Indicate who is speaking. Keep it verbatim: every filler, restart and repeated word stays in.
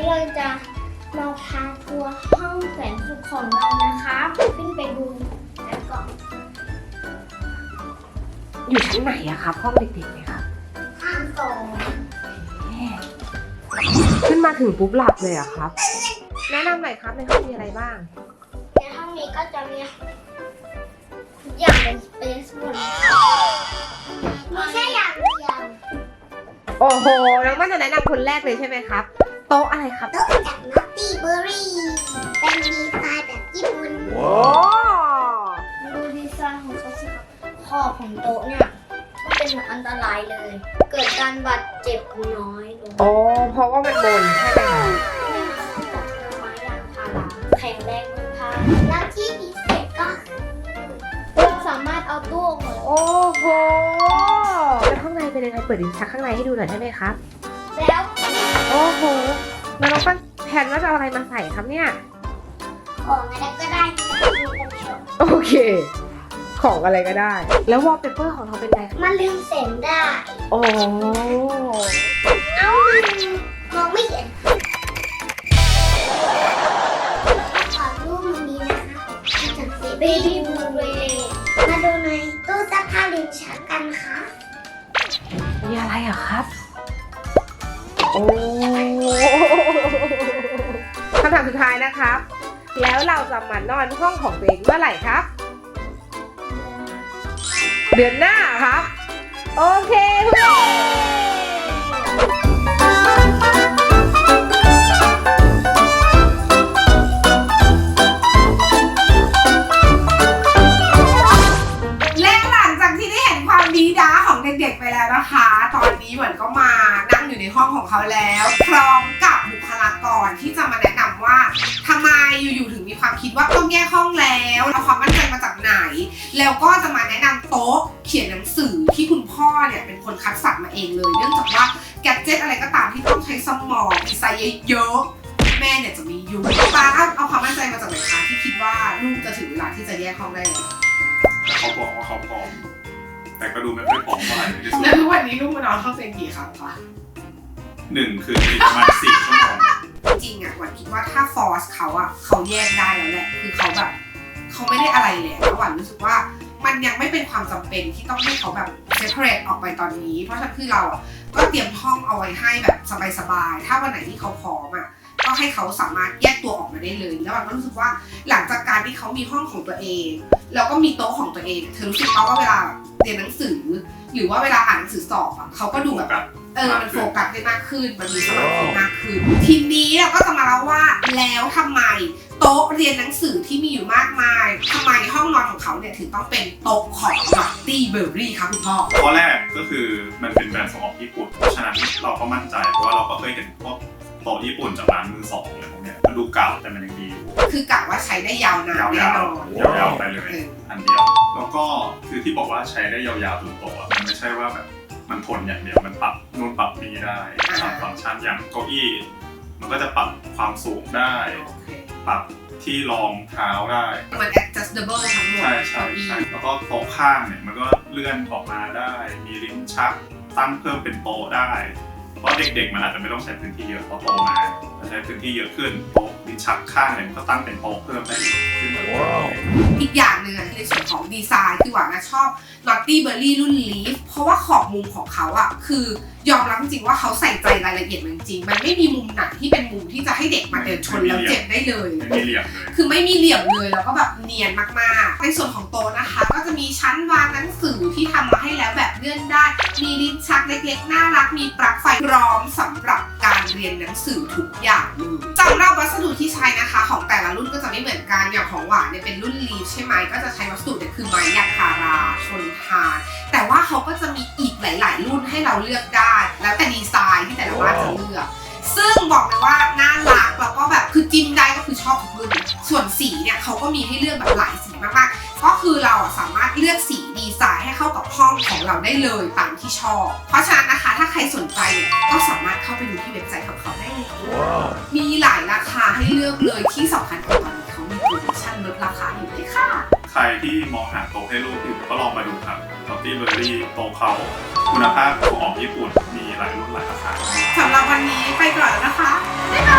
Speaker 1: เราจะมาพาทัวร์ห้องแสนสุขของเรานะคะขึ้นไปดูแล้วก็
Speaker 2: อยู่ชั้นไหนอะครับห้องเด็กๆเนี่ยครับ
Speaker 1: ห้างสอง
Speaker 2: ขึ้นมาถึงปุ๊บหลับเลยอะครับแนะนำหน่อยครับในห้องมีอะไรบ้าง
Speaker 1: ในห้องนี้ก็จะมีทุกอย่างเป็นสเปซหมดมีแค่อย่างเดียว
Speaker 2: โอ้โหน้องมันจะแนะนำคนแรกเลยใช่ไหมครับโต๊ะอะไรครับ
Speaker 1: โต๊ะจากนัตตี้เบอร์รี่เป็นดีไซน์แบบญี่ปุ่น
Speaker 2: ว้าว
Speaker 1: ดูดีไซน์ของเขาสิครับขอบของโต๊ะเนี่ยก็เป็นอันตรายเลย เกิดการบาดเจ็บน้อยลง
Speaker 2: โอ้เพราะว่ามันบนใช่ไหมคะ
Speaker 1: จากไม้ยางพาราแข็งแรงทนทานแล้วที่พิเศษก็เราสามารถเอาตู้ออกมา
Speaker 2: โอ้โหแล้วข้างในเป็นยังไงเปิดลิ้นชักข้างในให้ดูหน่อยได้ไหมครับ
Speaker 1: แล้ว
Speaker 2: โอ้โหแล้วน้องปั้นแผนว่าจะเอาอะไรมาใส่ครับเนี่ย
Speaker 1: ของอะไรก็ได้ที่มีกันชม
Speaker 2: โอเคของอะไรก็ได้แล้ววอลเปเปอร์ของเราเป็นไง
Speaker 1: มันลืมเสียงได้
Speaker 2: โอ้
Speaker 1: เอ้ามองไม่เห็นขอรูปมันนี้นะคะจากเซเบบี้บูเรมาดูในตู้ซักผ้าลิ้นชักกันค่ะ
Speaker 2: มีอะไรอ่ะครับโอ้คำถามสุดท้ายนะครับแล้วเราจะมานอนห้องของตัวเองเมื่อไหร่ครับเดือนหน้าครับโอเคทุกคนและหลังจากที่ได้เห็นความดีด้าของเด็กๆไปแล้วนะคะตอนนี้เหมือนก็มานั่งอยู่ในห้องของเขาแล้วพร้อมกับบุคลากรที่จะมาแนะนำว่าทำไมอยู่ๆถึงมีความคิดว่าต้องแยกห้องแล้วเอาความมั่นใจมาจากไหนแล้วก็จะมาแนะนำโต๊ะเขียนหนังสือที่คุณพ่อเนี่ยเป็นคนคัดสรรมาเองเลยเนื่องจากว่าแกดเจ็ตอะไรก็ตามที่ต้องใช้สมองดีไซน์เยอะๆแม่เนี่ยจะมีอยู่ป้าเอาความมั่นใจมาจากไหนคะที่คิดว่าลูกจะถึงเวลาที่จะแยกห้องได้แล้ว
Speaker 3: เขาบอกว่าเขาพร้อมแต่ก็ดูไม่ค่อยพร้อมเท่าไหร่
Speaker 2: แล้วทุกวันนี้ลูกมานอนห้องเตียงกี่ครั้งคะ
Speaker 3: หนึ่งคือประมาณสี่ชั่วโมง
Speaker 2: จริงอ่ะวันคิดว่าถ้าฟอร์สเขาอ่ะเขาแยกได้แล้วแหละคือเขาแบบเขาไม่ได้อะไรแล้ววันรู้สึกว่ามันยังไม่เป็นความจำเป็นที่ต้องให้เขาแบบเซปเรตออกไปตอนนี้เพราะฉะนั้นคือเราอ่ะก็เตรียมห้องเอาไว้ให้แบบสบายๆถ้าวันไหนที่เขาพร้อมอ่ะก็ให้เขาสามารถแยกตัวออกมาได้เลยแล้ววันก็รู้สึกว่าหลังจากการที่เขามีห้องของตัวเองแล้วก็มีโต๊ะของตัวเองเธอรู้สึกว่าเวลาเรียนหนังสือหรือว่าเวลาอ่านหนังสือสอบอ่ะเขาก็ดูแบบเออมันโฟกัสได้มากขึ้นมันมีสมาธิมากขึ้นทีนี้เราก็จะมาเล่าว่าแล้วทำไมโต๊ะเรียนหนังสือที่มีอยู่มากมายทำไมห้องนอนของเขาเนี่ยถึงต้องเป็นโต๊ะของนัตตี้เบอร์รี่ครับคุณพ่อ
Speaker 3: ข้อแรกก็คือมันเป็นแบรนด์ส่งออกญี่ปุ่นเพราะฉะนั้นเราก็มั่นใจเพราะว่าเราก็เคยเห็นพวกโต๊ะญี่ปุ่นจากร้านมือสองอะไรพวกเนี้ยมันดูเก่าแต่มันยังดีอยู่
Speaker 2: คือกะว่าใช้ได้ยาวนานแน่นอน
Speaker 3: ยาวๆไปเลยอันเดียวแล้วก็คือที่บอกว่าใช้ได้ยาวๆจนโตอ่ะมันไม่ใช่ว่าแบบมันทนอย่างเดียวมันปรับนู่นปรับนี่ได้ปรับฟังก์ชันอย่างเก้าอี้มันก็จะปรับความสูงได้ปรับที่รองเท้าได้
Speaker 2: มัน adjustable ทั้งหมด
Speaker 3: ใช่ใช่ใช่แล้วก็โต๊ะข้างเนี่ยมันก็เลื่อนออกมาได้มีลิ้นชักตั้งเพิ่มเป็นโต๊ะได้เพราะเด็กๆมันอาจจะไม่ต้องใช้พื้นที่เยอะพอโตมาจะใช้พื้นที่เยอะขึ้นโต๊ะลิ้นชักข้างเนี่ยมันก็ตั้งเป็นโต๊ะเพิ่มได้ขึ้น
Speaker 2: อีกอย่างหนึ่งในส่วนของดีไซน์คือหวานนะชอบ Naughty Berry รุ่น Leaf เพราะว่าขอบมุมของเขาอะคือยอมรับจริงๆว่าเขาใส่ใจรายละเอียดจริงๆมันไม่มีมุมไหนที่เป็นมุมที่จะให้เด็กมาเดินชนแล้วเจ็บได้เลย
Speaker 3: ไม่มีเหลี่ยมเลย
Speaker 2: คือไม่มีเหลี่ยมเลยแล้วก็แบบเนียนมากๆในส่วนของโต๊ะนะคะก็จะมีชั้นวางหนังสือที่ทำมาให้แล้วแบบเลื่อนได้มีลิ้นชักเล็กๆน่ารักมีปลั๊กไฟพร้อมสำหรับการเรียนหนังสือทุกอย่างเลยสำหรับวัสดุที่ใช้นะคะของแต่ละรุ่นก็จะไม่เหมือนกันอย่างของหวานเนี่ยเป็นรุ่นลีฟใช่ไหมก็จะใช้วัสดุเนี่ยคือไม้ยางพาราทนทานแต่ว่าเขาก็จะมีอีกหลายๆรุ่นให้เราเลือกได้แล้วแต่ดีไซน์ที่แต่ละบ้านจะเลือกซึ่งบอกเลยว่าน่ารักแล้วก็แบบคือจิ้มได้ก็คือชอบทุกรุ่นส่วนสีเนี่ยเขาก็มีให้เลือกแบบหลายสีมากๆก็คือเราสามารถเลือกสีดีไซน์ให้เข้ากับห้องของเราได้เลยตามที่ชอบเพราะฉะนั้นนะคะถ้าใครสนใจเนี่ยก็สามารถเข้าไปดูที่เว็บไซต์ของเขาได้เลย wow. มีหลายราคาให้เลือกเลยที่สำคัญคือตอนนี้เขามีโปรโมชั่นลดราคาอยู่ด้วยค่ะ
Speaker 3: ใครที่มองหาโต๊ะให้ลูกอยู่ก็ลองมาดูครับ Naughty Berry โต๊ะเขาคุณภาพของญี่ปุ่นมีหลายรุ่นหลายราคา
Speaker 2: สำหรับวันนี้ไปก่อนแล้วนะคะบ๊ายบาย